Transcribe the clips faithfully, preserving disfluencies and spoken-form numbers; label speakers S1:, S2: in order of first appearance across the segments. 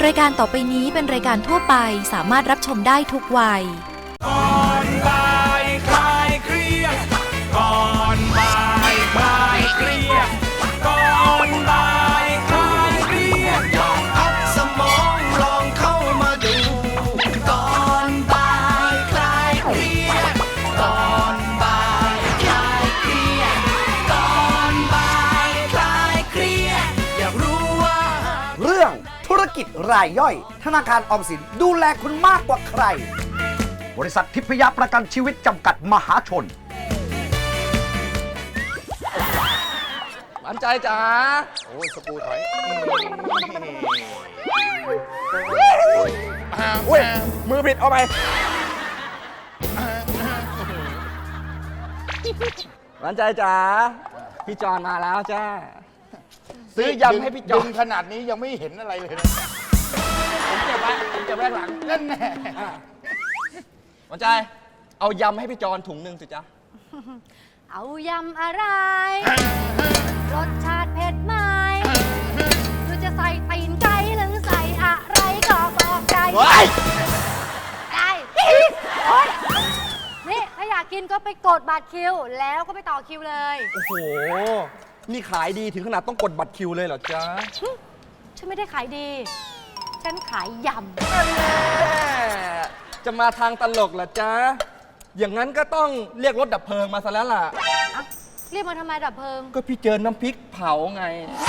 S1: รายการต่อไปนี้เป็นรายการทั่วไปสามารถรับชมได้ทุกวัย
S2: ก่อนบ่ายคลายเครียดก่อนบ่ายคลายเครียดก่อนบ่ายคลายเครียดลองพักสมองลองเข้ามาดูก่อนบ่ายคลายเครียดก่อนบ่ายคลายเครียดก่อนบ่ายคลายเครียดอยากรู้ว่า
S3: เรื่องธุรกิจรายย่อยธนาคารออมสินดูแลคุณมากกว่าใครบริษัททิพยประกันชีวิตจำกัดมหาชน
S4: หวานใจจ๋า
S5: โอ้ยสปูถอย
S4: อุ้ยมือผิดเอาไปหวานใจจ๋าพี่จอนมาแล้วจ้าซื้อยำให้พี่จอน
S5: ขนาดนี้ยังไม่เห็นอะไรเลยนะ
S4: ผมเก็บไว้ผมเก็บไว้หลัง
S5: นั่นแน่
S4: หวานใจเอายำให้พี่จอนถุงหนึ่งสิจ๊ะ
S6: เอายำอะไรรสชาติเผ็ดไหมหรือจะใส่ตีนไก่หรือใส่อะไรก็บอกใจได้โอ๊ยนี่ถ้าอยากกินก็ไปกดบัตรคิวแล้วก็ไปต่อคิวเลย
S4: โอ้โหนี่ขายดีถึงขนาดต้องกดบัตรคิวเลยเหรอจ๊ะ
S6: ฉันไม่ได้ขายดีฉันขายยำ
S4: จะมาทางตลกเหรอจ๊ะอย่างนั้นก็ต้องเรียกรถดับเพลิงมาซะแล้วล่ะ
S6: เรียกมาทำไมดับเพลิง
S4: ก็พี่เจอน้ำพริกเผาไง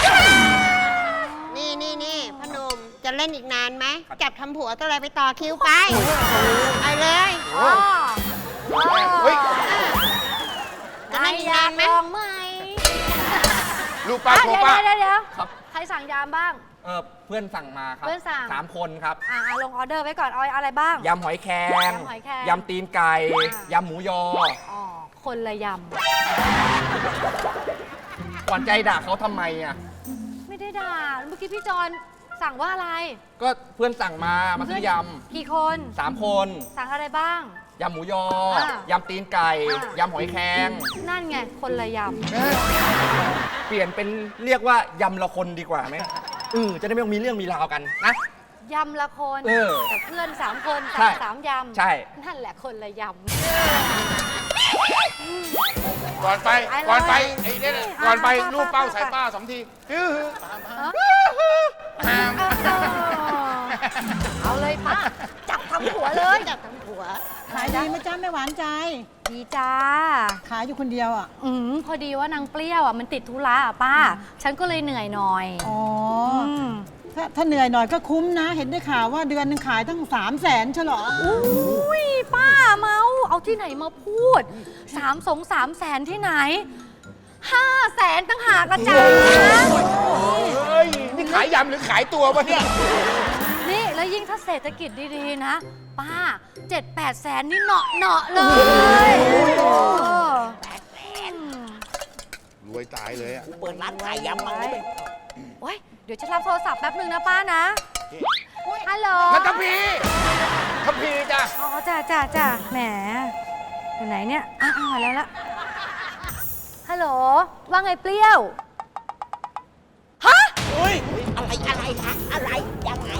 S7: นี่นี่นี่พนมจะเล่นอีกนานไหมจับทำผัวก็เลยไปต่อคิวไปไปเลย
S5: เฮ้ย
S7: จะเล่นอีกนานไหม
S6: ลองไหม
S5: ลูกป้าโคป้า
S6: เดี๋ยวเดี๋ยวใครสั่งยำบ้าง
S4: เออเพื่อนสั่งมาครับ
S6: เพื่อนสั่ง
S4: สามคนครับ
S6: อ่าลงออเดอร์ไว้ก่อนเอาอะไรบ้าง
S4: ยำหอยแครงยำตีนไก่ยำหมูยอ
S6: อ๋อคนละยำ
S4: หวานใจด่าเขาทำไมอ่ะ
S6: ไม่ได้ด่าเมื่อกี้พี่จอนสั่งว่าอะไร
S4: ก็เพื่อนสั่งมามาซื้อย
S6: ำกี่คน
S4: สามคน
S6: สั่งอะไรบ้าง
S4: ยำหมูยอยำตีนไก่ยำหอยแครง
S6: นั่นไงคนละยำ
S4: เปลี่ยนเป็นเรียกว่ายำละคนดีกว่าไหมเออจะได้ไม่ต้องมีเรื่องมีราวกันนะ
S6: ยำละคนแต่เพื่อนสามคน
S4: สั่
S6: งสามยำ
S4: ใช่
S6: นั่นแหละคนละยำ
S5: ก่อนไปก่อนไปไอ้เนี่ยก่อนไปลูกเป้าใส่ป้าสองที
S6: เอาเลยป้าจับทำหัวเลย
S7: จับทำผัว
S8: ขายดีไหมจ้าแม่หวานใจ
S6: ดีจ้า
S8: ขายอยู่คนเดียวอ่ะ
S6: อืมพอดีว่านางเปรี้ยวอ่ะมันติดธุระอ่ะป้าฉันก็เลยเหนื่อยหน่อย
S8: อ๋อถ้าถ้าเหนื่อยหน่อยก็คุ้มนะเห็นได้ข่าวว่าเดือนนึงขายตั้งสามแสนใช่หรอ
S6: อุ้ยป้าเมาเอาที่ไหนมาพูดสามสองสามแสนที่ไหนห้าแสนตั้งหากระจาย
S5: เฮ้ยนี่ขายยำหรือขายตัวปะเนี่ย
S6: นี่แล้วยิ่งถ้าเศรษฐกิจดีๆนะป้าเจ็ดแปดแสนนี่เหนาะเนาะเลย
S5: รวยตายเลยอ่ะ
S7: เปิดร้านขายยำมั้งเลย
S6: โอ้ยเดี๋ยวฉันรับโทรศัพท์แป๊บนึงนะป้านะฮัลโหล
S5: นัทพีทัพพีจ้ะ
S6: อ๋อจ้าจ้าจ้าแหมอยู่ไหนเนี่ยอ้าวมาแล้วละฮัลโหลว่าไงเปรี้ยวฮะ
S5: อุ้ย
S7: อะไรอะไรคะอะไรยังไง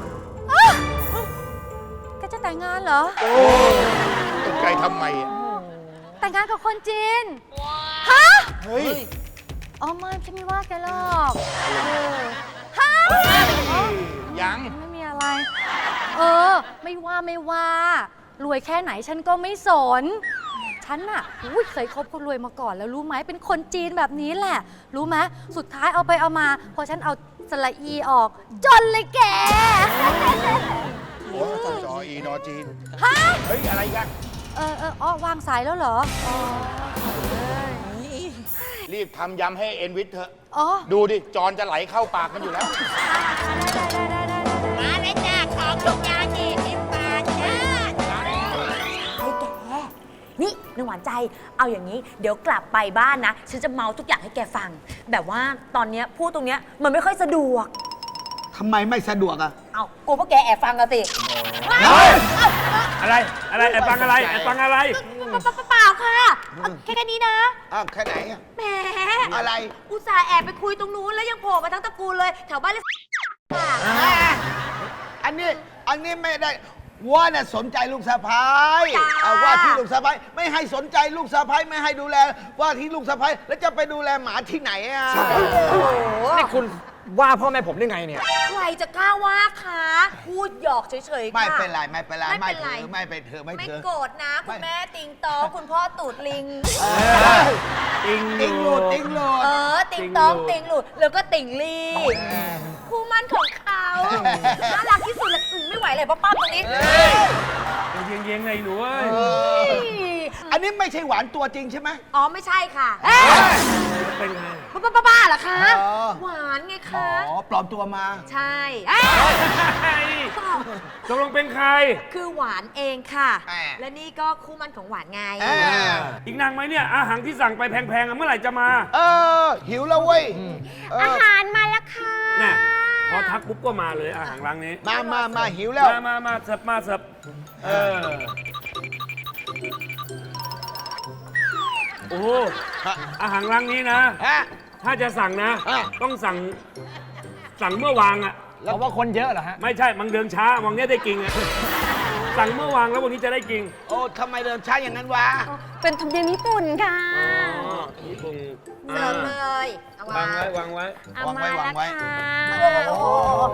S6: แกจะแต่งงานเหรอ
S5: โอ้ตกใจทำไม
S6: แต่งงานกับคนจีนฮะ
S5: เฮ้ย
S6: อ๋อไม่ฉันไม่ว่าแกหรอกฮะ
S5: ยัง
S6: ไม่มีอะไรเออไม่ว่าไม่ว่ารวยแค่ไหนฉันก็ไม่สนฉันน่ะอุ้ยเคยคบคนรวยมาก่อนแล้วรู้ไหมเป็นคนจีนแบบนี้แหละรู้ไหมสุดท้ายเอาไปเอามาพอฉันเอาสระอีออกจนเลยแก
S5: โอ้จออีนอจีน
S6: ฮะ
S5: เฮ้ยอะไรกัน
S6: เออเอออ๋อวางสายแล้วเหรออ๋อ
S5: รีบทำยำให้เอ็นวิทเถอะดูดิจอนจะไหลเข้าปากมันอยู่แล้ว
S7: มาเลยจ้าของทุกอย่างยี่สิบบาทจ้า
S9: ไอ้แกนี่นางหวานใจเอาอย่างนี้เดี๋ยวกลับไปบ้านนะฉันจะเมาทุกอย่างให้แกฟังแบบว่าตอนนี้พูดตรงเนี้ยมันไม่ค่อยสะดวก
S3: ทำไมไม่สะดวกอ่ะ
S9: เอากูพวกแกแอบฟังกันสิ
S4: อะไรอะไรแอบฟังอะไรแอบฟังอะไร
S9: เปล่าค่ะแค่แค่นี้นะ
S5: อ้าวแค่ไหน
S9: แหม
S5: อะไร
S9: อุตส่าห์แอบไปคุยตรงนู้นแล้วยังโผล่มาทั้งตระกูลเลยแถวบ้านเลยค่ะ
S10: อันนี้อันนี้ไม่ได้ว่าน่ะสนใจลูกสะพ้ายเอาว่าที่ลูกสะพ้ายไม่ให้สนใจลูกสะพ้ายไม่ให้ดูแลว่าที่ลูกสะพ้ายแล้วจะไปดูแลหมาที่ไหนอ่ะ
S4: นี่คุณว่าพ่อแม่ผมได้ไงเนี่ย
S9: ใครจะกล้าว่าคะพูดหยอกเฉยๆค่ะ
S10: ไม่เป็นไรไม่เป็นไร
S9: ไม่
S10: ไม่
S9: เป็นไร
S10: ถือไม่เป็นเธอไม่
S9: ไม่
S10: ถือ
S9: โกรธนะคุณแม่ติงตองคุณพ่อตูดลิง
S4: ติง
S10: ติงโหลดติงโหลด
S9: เออ ติงตองติงหลุดแล้วก็ติงลีคู่มั่นของเขาน่ารักที่สุดเลยอืมไม่ไหวเลยป้าป้าตรงนี้
S4: เย็นเย็นๆไงหนูเอ้ย
S10: อันนี้ไม่ใช่หวานตัวจริงใช่ไหม
S9: อ๋อไม่ใช่ค่ะ
S4: เป็นไง
S9: ป้าป้าป้าเหรอคะ
S10: อ๋อ
S9: หวานไง
S10: อ๋
S9: คะ
S10: อปลอมตัวมา
S9: ใช่เอ้ย
S4: ตกลงเป็นใคร
S9: คือหวานเองค่ะ
S10: แหม่
S9: และนี่ก็คู่มั่นของหวานไง
S10: เออ
S4: อีกนางไหมเนี่ย อาหารที่สั่งไปแพงๆอะเมื่อไหร่จะมา
S10: เออหิวแล้วเว้ยเอ
S9: อา
S10: อ
S9: หารมาแล้วค่ะ
S4: น่ะพอทักปุ๊บก็มาเลยอาหารร้านนี้
S10: มามามาหิวแล้ว
S4: มามามาเสิร์ฟมาเสิร์ฟเออ โอ้โหอาหารร้านนี้นะ
S10: ฮะ
S4: ถ้าจะสั่งนะ
S10: อ่ะ
S4: ต้องสั่ง สั่งเมื่อวางอ่ะ
S3: เพราะว่าคนเยอะเหรอฮะ
S4: ไม่ใช่มังเดินช้าวังเนี้ยได้กินอ่ะ สั่งเมื่อวางแล้ววันนี้จะได้กิน
S10: โอ้ทำไมเดินช้าอย่างนั้นวะ
S9: เป็นธรรมเนียมญี่ปุ่นค่ะ
S4: อ๋อญี่ปุ่น
S9: เสิร์ฟเลยเอา
S4: วางไว้วางไว้
S9: เอา
S10: วางไว้
S9: มาว
S10: างไว้
S9: แล้วค่ะโอ้โห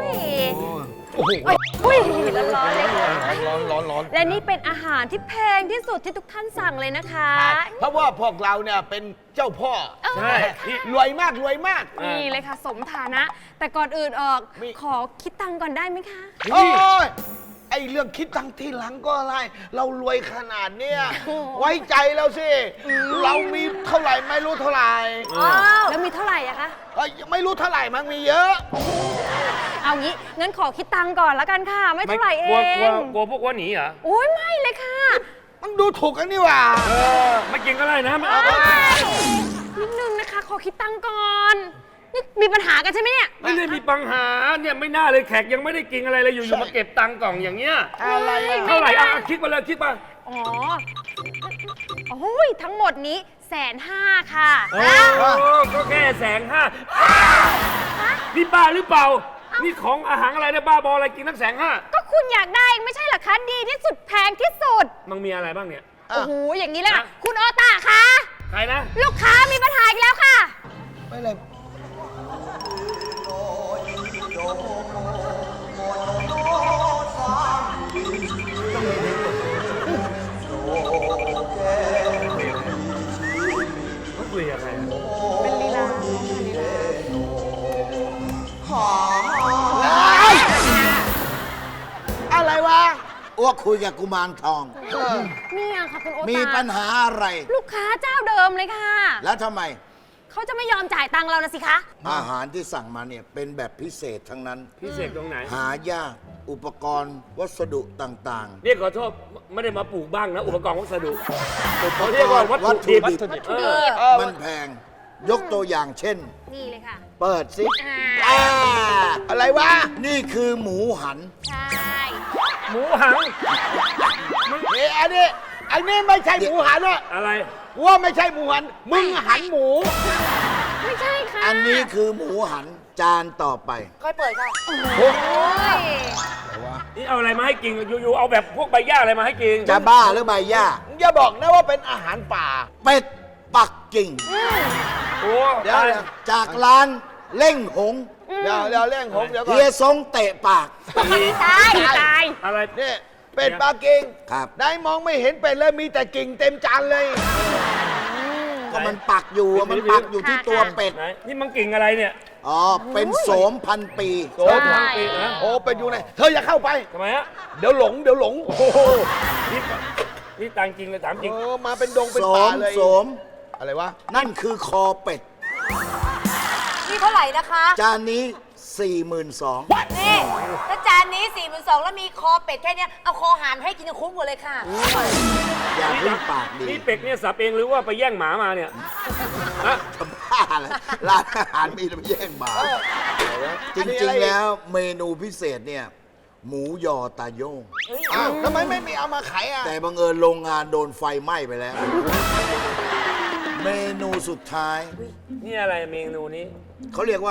S9: อุ้ยร้อนๆเลยค่ะ
S10: ร้อนร้อนร้อน
S9: และนี่เป็นอาหารที่แพงที่สุดที่ทุกท่านสั่งเลยนะคะ
S10: เพราะว่าพวกเราเนี่ยเป็นเจ้าพ่อ
S4: ใช่นี่
S10: รวยมากรวยมาก
S4: อ่ะ
S6: นี่เลยค่ะ สมฐานะ แต่ก่อนอื่นเออก
S10: มี
S6: ขอคิดตังค์ก่อนได้ไหมคะ
S10: โอ้ยไอเรื่องคิดตังค์ที่หลังก็อะไร เรารวยขนาดเนี้ยไว้ใจเราสิ เรามีเท่าไหร่ไม่รู้เท่าไหร่
S6: แล้วมีเท่าไหร่อะคะ
S10: เอ้ยไม่รู้เท่าไหร่มันมีเยอะ
S6: เอางี้ งั้นขอคิดตังค์ก่อนแล้วกันค่ะ ไม่เท่าไหร่เอก
S4: ลัวกลัว
S6: ง
S4: กลัวพวกว่าหนีเหรอ
S6: โอ้ยไม่เลยค่ะ
S10: มันดูถูกกันนี่หว่า
S4: เออไม่กินก็ได้นะไม่เอา
S6: เอ้ยนิดนึงนะคะ ขอคิดตังค์ก่อน นี่มีปัญหากันใช่ไหมเนี่ย
S4: ไม่ได้มีปัญหาเนี่ยไม่น่าเลยแขกยังไม่ได้กินอะไรเลยอยู่ๆมาเก็บตังค์กล่องอย่างเงี้ย
S10: อะไรอะ
S4: เท่าไหร่อ่ะคิดมาเลยคิดมา
S6: อ๋อ โอ้ยทั้งหมดนี้แสนห้าค่ะ
S4: โอ้ก็แค่แสนห้านี่บ้าหรือเปล่า นี่ของอาหารอะไรเนี่ยบ้าบออะไรกินทั้งแสนห้า
S6: ก็คุณอยากได้เองไม่ใช่เหรอคะ ดีที่สุดแพงที่สุด
S4: มันมีอะไรบ้างเนี่ย
S6: โอ้โห อย่างนี้เลยค่ะ
S4: ฮะ
S6: คุณโอตาคะ
S4: ใครนะ
S6: ลูกค้ามีปัญหาอีกแล้วค่ะ
S10: ไม่เลย
S4: เขาคุยกับใครอะ
S6: เป็นลีลา
S10: อะไรวะ
S11: อ้วกคุยกับกุมารทอง
S6: เนี่ยค่ะคุณโอตา
S11: มีปัญหาอะไร
S6: ลูกค้าเจ้าเดิมเลยค่ะ
S11: แล้วทำไม
S6: เขาจะไม่ยอมจ่ายตังค์เรานะสิคะ
S11: อาหารที่สั่งมาเนี่ยเป็นแบบพิเศษทั้งนั้น
S4: พิเศษตรงไหน
S11: หายาก อุปกรณ์วัสดุต่าง
S4: นี่ขอโทษไม่ได้มาปลูกบ้างนะ อุปกรณ์วัสดุ
S11: ๆ
S4: เขาเรียกว่าวัตถุดิบ
S11: วัตถุดิบ
S4: เออ
S11: มันแพง ยกตัวอย่างเช่น
S6: นี่เลยค่ะ
S11: เปิดสิ
S6: อ่า
S11: อ่า
S10: อะไรวะ
S11: นี่คือหมูหัน
S6: ใช่
S4: หมูหัง
S10: เอ้ยอันนี้อันนี้ไม่ใช่หมูหันอะ
S4: อะไร
S10: ว่าไม่ใช่หมูหัน มึงหันหมู
S6: ไม่ใช่ค่ะ
S11: อันนี้คือหมูหันจานต่อไป
S9: ค่อยเปิดค่ะ
S6: โอ้ย
S4: นี่เอาอะไรมาให้กินอยู่ๆเอาแบบพวกใบหญ้าอะไรมาให้กิน
S11: จะบ้าหรือใบหญ้า
S10: อย่าบอกนะว่าเป็นอาหารป่า
S11: เป็ดปักกิ่ง
S4: โอ้
S10: เดี๋ยว
S4: ตาย
S10: เดี๋ยว
S11: จากร้านเล่งหง
S10: เดี๋ยวเดี๋ยวเร่งผมเดี๋ยวก่อ
S11: เฮีย
S10: น
S11: ซงเตะปาก
S6: ตายตาย
S4: อะไร
S10: นี่เป็ดปลากิ่ง
S11: ครับ
S10: ได้มองไม่เห็นเป็ดเลยมีแต่กิ่งเต็มจานเลย
S11: ก็มันปักอยู่อะมันปักอยู่ที่ตัวเป็ด
S4: ไหนนี่มันกิ่งอะไรเนี่ย
S11: อ๋อ เป็นโสมพันปี
S10: โสมพันปีนะโอ้เป็ดอยู่ไหนเธออย่าเข้าไป
S4: ทำไมฮะ
S10: เดี๋ยวหลงเดี๋ยวหลง โอ้โห
S4: นี่นี่ตังจริงเลยถามจริง
S10: เออมาเป็นดงเป็น
S11: โส
S10: ป่าม เลย
S11: โสม
S10: อะไรวะ
S11: นั่นคือคอเป็ด
S9: นี่เท่าไหร่นะคะ
S11: จานนี้ สี่หมื่นสองพัน
S9: นี่ถ้าจานนี้สี่หมื่นสองแล้วมีคอเป็ดแค่เนี้ยเอาคอหานให้กินคุ้มหมดเลยค่ะ
S11: อย่าเพิ่งปากดี
S4: นี่เป็ดเนี่ยสับเองหรือว่าไปแย่งหมามาเนี่ยฮะ
S11: ทำบ้าเลยร้านอาหารมีแต่ไปแย่งหมา จริงๆแล้วเมนูพิเศษเนี่ย หมูยอตาโย่ง
S10: อ้าวทำไมไม่มีเอามาขายอ่ะ
S11: แต่บังเอิญโรงงานโดนไฟไหม้ไปแล้ว เมนูสุดท้าย
S4: นี่อะไรเมนูนี้
S11: เขาเรียกว่า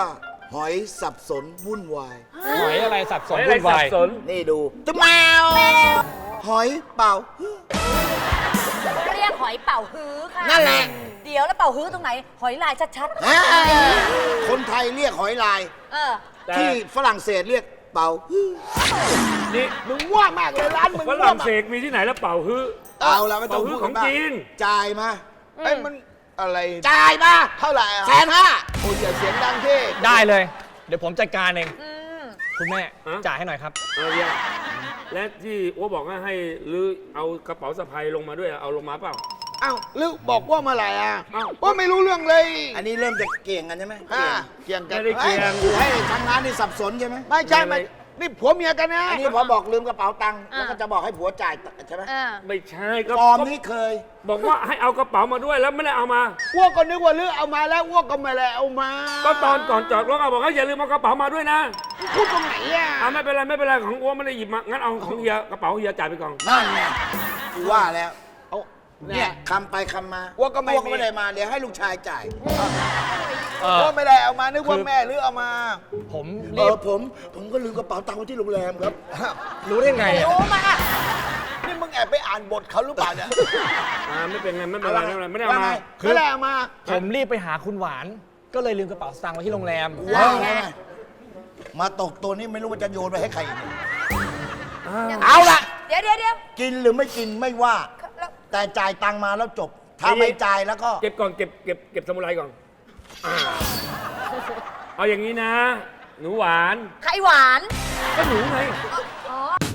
S11: หอยสับสนวุ่นวาย
S12: หอยอะไรสับสน
S4: หอยอะไร
S12: วุ่นวาย
S4: สับสน
S11: นี่ดูจะแมวหอยเป่า
S9: เรียกหอยเป่าฮื้อค่ะ
S11: นั่นแหละ
S9: เดี๋ยวแล้วเป่าฮื้อตรงไหน หอยลายชัด
S11: อ่าคนไทยเรียกหอยลาย
S9: ๆ เออ
S11: ที่ฝรั่งเศสเรียกเป่า
S4: นี่
S10: มึงว่ามากเลยร้านมึง
S4: ฝ
S10: ว่
S4: รั่ง
S10: มาก
S4: เศสมีที่ไหนแล้วเป่าฮื้อ
S11: เอาละไม่ต้อง
S4: เป่าฮื้
S11: พู
S4: อ
S11: ด
S4: ของ
S11: มาก
S4: จีน
S11: จ่ายมา
S10: เอ้ยมันอะไร
S11: จ่ายมา
S10: เท่าไหร่อ่ะ
S11: แสนห้า
S10: โอ้ยอย่าเสียงดังที่
S12: ได้เลย เดี๋ยวผมจัดการเอง
S9: อืม
S12: คุณแม่
S4: ฮะ
S12: จ่ายให้หน่อยครับ
S4: เออเดี๋ยวและที่อ้วบอกว่าให้ลือเอากระเป๋าสะพายลงมาด้วยเอาลงมาเปล่า
S10: อ้าวลึกบอกว่าเมื่อไหร่อ่ะ
S4: อ้าว
S10: ว่าไม่รู้เรื่องเลย
S11: อันนี้เริ่มจะเกี่ยงกันใช่ไหม
S10: อ่าเกี่ยงกัน
S4: ไม่ได้เกี่ยง
S11: ให้ทางร้านนี่สับสนใช่ไหม
S10: ไม่ใช่ไม่นี่ผัวเมียกันนะ
S11: อันนี้พอบอกลืมกระเป๋าตังค์
S9: อ่า
S11: แล้วก็จะบอกให้ผัวจ่ายใช่ไหม
S9: เออ
S4: ไม่ใช่ก็
S11: ฟอร์มนี้เคย
S4: บอกว่าให้เอากระเป๋ามาด้วยแล้วไม่ได้เอามา
S10: อ้วกก็นึกว่าลึกเอามาแล้วอ้วกก็ไม่ได้เอามา
S4: ก็ตอนก่อนจอดรถเอาบอกว่าอย่าลืมเอากระเป๋ามาด้วยนะ
S10: พูดตรงไหนอ่ะ
S4: อ่าไม่เป็นไรไม่เป็นไรของอ้วไม่ได้หยิบมางั้นเอาของเฮียกระเป๋าเฮียจ่ายไปก่อน
S11: นั่นไงกูว่าแล้ว
S10: เอา
S11: เนี่
S10: เนี่ย ย
S11: คำไปคำมา
S10: อ้วกก็ไม่
S11: อ้วก
S10: มี
S11: ไม่ได้มาเดี๋ยวให้ลูกชายจ่าย
S12: เออ
S10: อ้วกไม่ได้เอามานึกว่า
S12: คือ
S10: แม่ลึกเอามา
S12: ผม
S11: เอ
S12: รีบ
S11: อผม ผมก็ลืมกระเป๋าตังค์ไว้ที่โรงแรมครับ
S12: รู้ได้ไงอะ
S9: รู้มา
S10: นี่มึงแอบไปอ่านบทเขาหรือเปล่าเนี่ย
S4: อ่าไม่เป็นไรไม่เป็นไรไม่เป็นไรไม่ได้เอา
S11: ว่า
S4: มา
S11: ไง
S10: ไม่ได้เอามา
S12: ผมรีบไปหาคุณหวาน ก็เลยลืมกระเป๋าสตางค์ไว้ที่โรงแรม
S11: ว่าไงมาตกตัวนี้ไม่รู้ว่าจะโยนไปให้ใครอีก
S10: เอาละ
S9: เดี๋ยวเดี๋ยวเดี๋ยว
S11: กินหรือไม่กินไม่ว่า
S9: แล้ว
S11: แต่จ่ายตังค์มาแล้วจบ ถ้าไม่จ่ายแล้วก็
S4: เก็บก่อนเก็บเก็บเก็บสมุไรก่อนอ่าเอาอย่างนี้นะ หนูหวาน
S9: ไข่หวาน
S4: ก็หนูไง
S9: อ๋อ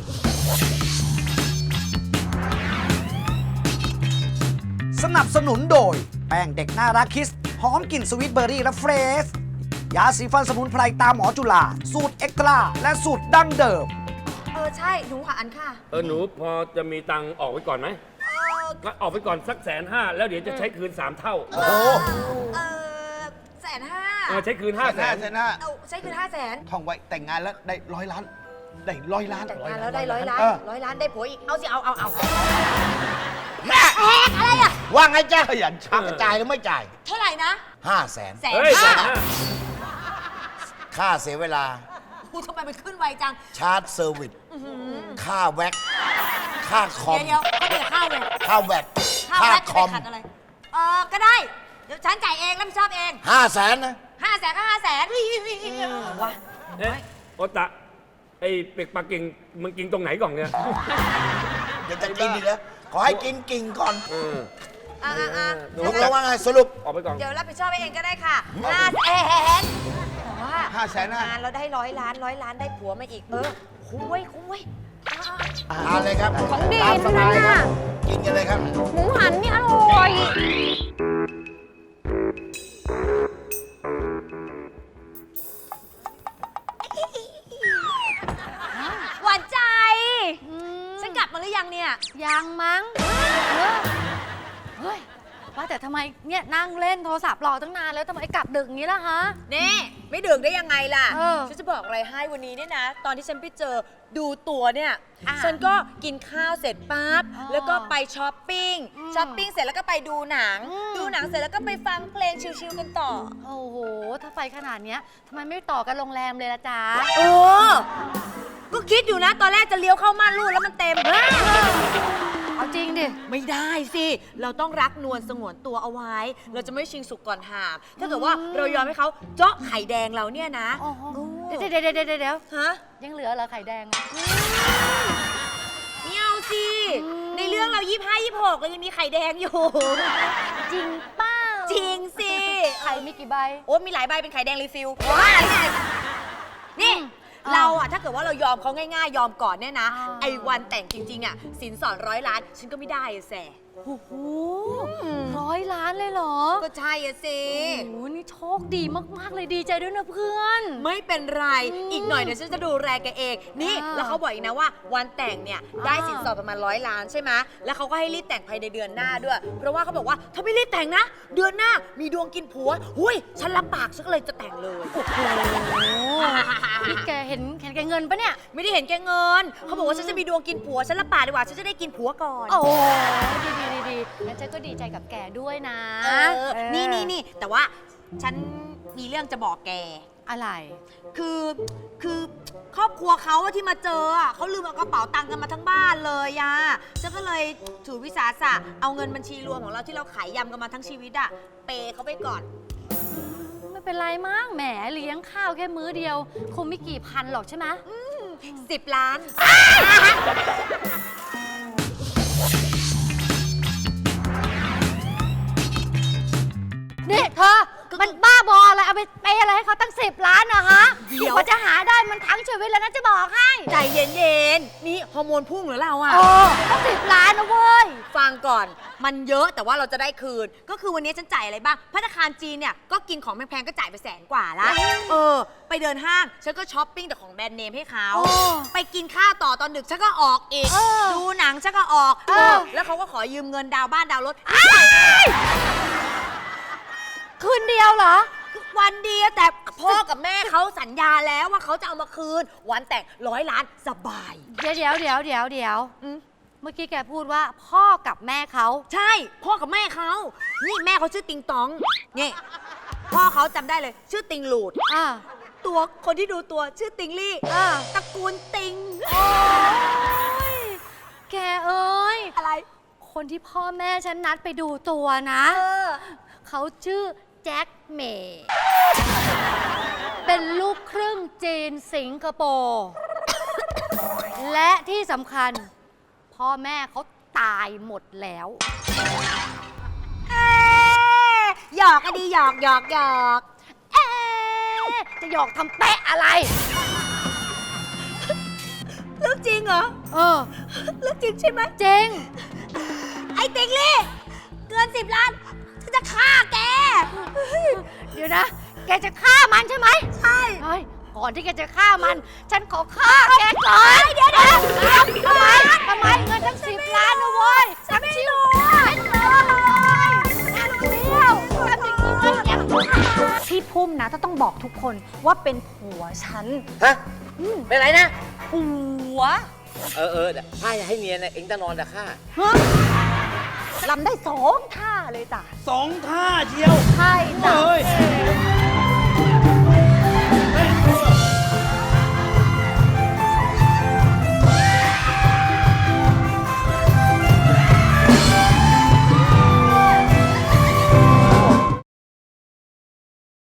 S3: สนับสนุนโดย แป้งเด็กน่ารักคิส หอมกลิ่นสวีทเบอร์รี่และเฟรชยาสีฟันสมุนไพรตามหมอจุฬาสูตรเอ็กตร้าและสูตรดั้งเดิม
S9: เออ ใช่ หนูหวานค่ะ
S4: เออหนูพอจะมีตังค์ออกไว้ก่อนไหม
S9: เออ
S4: ก็ออกไปก่อนสักแสนห้าแล้วเดี๋ยวจะใช้คืนสามเท่า
S11: โอ้โห
S9: เออแสนห้า
S4: เออใช้คืนห้าแส
S10: ห้าน แสนห้า
S9: เอาใช้คือห้าแสน
S10: ท่องไว้แต่งงานแล้วได้ร้อยล้าน ได้ร้อยล้าน
S9: แต่งงานแล้วได้ร้อยล้าน
S10: เออ
S9: ร้อยล้านได้ผัวอีก เอาสิ เอาเอาเอา
S11: แม่
S9: แอกอะไรอ่ะ
S11: ว่าไงจ๊ะ
S10: ขยันชัก
S11: จ่ายหรือไม่จ่าย
S9: เท่าไหร่นะ
S11: ห้าแสน
S9: แสน
S4: เฮ้ยแส
S9: ห้าน
S4: ห้า
S11: ค่าเสียเวลา
S9: กูทำไมมันขึ้นไวจัง
S11: ชาร์จเซอร์วิส ค่าแว็ก ค่าคอม
S9: เดี๋ยวเดี๋ยวก็เดี๋ยวข้าวเลย
S11: ค่าแว็ก
S9: ข้าว
S11: ค่า
S9: แรก
S11: ค
S9: จะ
S11: อ
S9: ไป
S11: ม
S9: ขัดอะไร เออ ก็ได้ เดี๋ยวฉันจ่ายเองรับผิดชอบเอง
S11: ห้าแสนนะ
S9: ห้าแสนก็ห้าแสนวะ
S4: เอ๊ะโอตะไอ้เป็กปลากิ่งมันกินตรงไหนก่อนเนี่ย
S11: เดี๋ยวจะกินอีกแล้วขอให้กินกิ่งก่อน
S4: เออ
S9: อ่ะอ่ะอ่ะ
S4: หนู
S11: ตกลงว่าไงสรุป
S4: ออกไปก่อน
S9: เดี๋ยวรับผิดชอบเองก็ได้ค่ะห้าแสนแต่ว่า
S10: ห้าแสนห้า
S9: งานเราได้ร้อยล้านร้อยล้านได้ผัวมาอีก เออ คุ้มเว้ยคุ้มเว้ยอ่ะ
S11: ทานเลยครับ
S6: ของดี
S11: ตามสบาย
S6: ทั้งนั้น
S11: ครั
S6: น่ะ
S11: บกินกันเลยครับ
S6: หมูหันนี่อร่อย
S9: หวานใจ ฉันกลับมาหรือยังเนี่ย
S6: ยังมั้งเออเฮ้ย ว่าแต่ทำไมเนี่ยนั่งเล่นโทรศัพท์รอตั้งนานแล้วทำไมกลับดึกอย่างนี้ล่ะฮะ
S9: นี่ไม่ดื่มได้ยังไงล่ะ
S6: เออ
S9: ฉันจะบอกอะไรให้วันนี้เนี่ยนะ ตอนที่ฉันไปเจอดูตัวเนี่ย
S6: อ่ะ
S9: ฉันก็กินข้าวเสร็จปั๊บ
S6: อ๋อ
S9: แล้วก็ไปช้อปปิ้ง
S6: อืม
S9: ช้อปปิ้งเสร็จแล้วก็ไปดูหนัง
S6: อืม
S9: ดูหนังเสร็จแล้วก็ไปฟังเพลงชิลๆกันต่อ
S6: โอ้โห ถ้าไปขนาดเนี้ยทำไมไม่ต่อกันโรงแรมเลยล่ะจ๊ะ
S9: โอ้ก็คิดอยู่นะ ตอนแรกจะเลี้ยวเข้าม่านรูดแล้วมันเต็ม
S6: เอาจริงดิ
S9: ไม่ได้สิ เราต้องรักนวลสงวนตัวเอาไว้ เราจะไม่ชิงสุกก่อนหาม ถ้าเกิดว่าเรายอมให้เขาเจาะไข่แดงเราเนี่ยนะ
S6: โอ้โหเดี๋ยวเดี๋ยวเดี๋ยวเดี๋ยวเดี๋ยว
S9: ฮะ
S6: ยังเหลือเหรอไข่แดงอะ
S9: ไม่เอาสิ ในเรื่องเรายี่ห้ายี่หกเรายังมีไข่แดงอยู่
S6: จริงเป้า
S9: จริงสิ
S6: ไข่มีกี่ใบ
S9: โอ้มีหลายใบเป็นไข่แดงรีฟิลนี่
S6: อืม
S9: เราอะถ้าเกิดว่าเรายอมเขาง่ายๆ ยอมก่อนเนี่ยนะ
S6: อ่า
S9: ไอ้วันแต่งจริง ๆอะสินสอดร้อยล้าน ฉันก็ไม่ได้อะแส
S6: โอ้โหร้อยล้านเลยเหรอ
S9: ก็ใช่อะสิ
S6: โอ้โหนี่โชคดีมาก ๆ เลยดีใจด้วยนะเพื่อน
S9: ไม่เป็นไร
S6: อืม
S9: อีกหน่อยเดี๋ยวฉันจะดูแลแกเอง นี่
S6: อ่า
S9: แล้วเขาบอกอีกนะว่าวันแต่งเนี่ยได้
S6: อ่า
S9: สินสอดประมาณร้อยล้านใช่ไหมแล้วเขาก็ให้รีบแต่งภายในเดือนหน้าด้วย เพราะว่าเขาบอกว่าถ้าไม่รีบแต่งนะ เดือนหน้ามีดวงกินผัว หุยฉันรับปากฉันก็เลยจะแต่งเลย
S6: โอ้โหนี่แกเห็นเห็นแกเงินปะเนี่ย
S9: ไม่ได้เห็นแกเงิน เขาบอกว่าฉันจะมีดวงกินผัว ฉันรับปากดีกว่า ฉันจะได้กินผัวก่อน
S6: โอ้ดีดีดีดีงั้นฉันก็ดีใจกับแกด้วยนะ
S9: เออ
S6: เออ
S9: นี่นี่นี่แต่ว่าฉันมีเรื่องจะบอกแก
S1: อะไร
S9: คือคือครอบครัวเขาอะที่มาเจออะเขาลืมเอากระเป๋าตังค์กันมาทั้งบ้านเลยอะฉันก็เลยถือวิสาสะเอาเงินบัญชีรวมของเราที่เราขายยำกันมาทั้งชีวิตอะเปย์เขาไปก่อน
S6: ไม่เป็นไรมั้งแหมเลี้ยงข้าวแค่มื้อเดียว คงไม่กี่พันหรอกใช่ไหม
S9: สิบล้าน
S6: นี่เธอ มันบ้าบออะไร เอาไปเปย์อะไรให้เขาตั้งสิบล้านนะฮะ
S9: เดี๋ยว
S6: กว่าจะหาได้มันทั้งชีวิตแล้วนะจะบอกให้
S9: ใจเย็นๆ นี่ฮอร์โมนพุ่งเหรือเราอะ
S6: โอ้ตั้งสิบล้านนะเว้ย
S9: ฟังก่อน มันเยอะแต่ว่าเราจะได้คืน ก็คือวันนี้ฉันจ่ายอะไรบ้างภัตตาคารจีนเนี่ยก็กินของแพงๆก็จ่ายไปแสนกว่าละเออ ไปเดินห้างฉันก็ช้อปปิ้งแต่ของแบรนด์เนมให้เขา
S6: โอ้
S9: ไปกินข้าวต่อตอนดึกฉันก็ออกอีก
S6: เออ
S9: ดูหนังฉันก็ออก
S6: เออ
S9: เออแล้วเขาก็ขอยืมเงินดาวน์บ้านดาวน์รถ
S6: คืนเดียวเหรอ
S9: วันเดียวแต่พ่อกับแม่เขาสัญญาแล้วว่าเขาจะเอามาคืน วันแต่งร้อยล้านสบาย
S6: เดี๋ยวเดี๋ยวเดี๋ยวเดี๋ยวเดี๋ยว
S9: อืม
S6: เมื่อกี้แกพูดว่าพ่อกับแม่เขา
S9: ใช่ พ่อกับแม่เขา นี่แม่เขาชื่อติงตองนี่พ่อเขาจำได้เลย ชื่อติงหลูด
S6: อ่า
S9: ตัวคนที่ดูตัวชื่อติงลี่
S6: อ่า
S9: ตระกูลติง
S6: โอ้ยแกเอ้ย
S9: อะไร
S6: คนที่พ่อแม่ฉันนัดไปดูตัวนะ
S9: เออ
S6: เขาชื่อแจ็คเมย์เป็นลูกครึ่งจีนสิงคโปร์ และที่สำคัญ พ่อแม่เขาตายหมดแล้ว
S9: เอ๊ะหยอกอะดีหยอกหยอกหยอก
S6: เอ๊ะจะหยอกทำแปะอะไร
S9: เรื่องจริงเหรอ
S6: เออ
S9: เรื่องจริงใช่ไหม
S6: จริง
S9: ไอ้ติงลี่ เกินสิบล้านฉันจะฆ่าแก
S6: เดี๋ยวนะ แกจะฆ่ามันใช่ไหม
S9: ใช่
S6: เฮ้ย ก่อนที่แกจะฆ่ามัน ฉันขอฆ่าแกก่อนเดี๋ยวเดี๋ยวทำไมทำไมเงินทั้งสิบล้านนะเว้ยฉันไม่รู้ฉันรู้เลยฉันรู้เดียวทำอย่างนี้ว่าแก
S9: พี่พุ่มนะต้องบอกทุกคนว่าเป็นผัวฉัน
S13: ฮะ เป็นไรนะ
S9: ผัว
S13: เออเออถ้าจะให้เนียนนะเอ็งจะนอนแต่ข้า
S9: ลำได้สองท่าเลยจ้ะ
S12: สองท่าเชียว
S9: ใช่จ้ะ
S12: เฮ้ย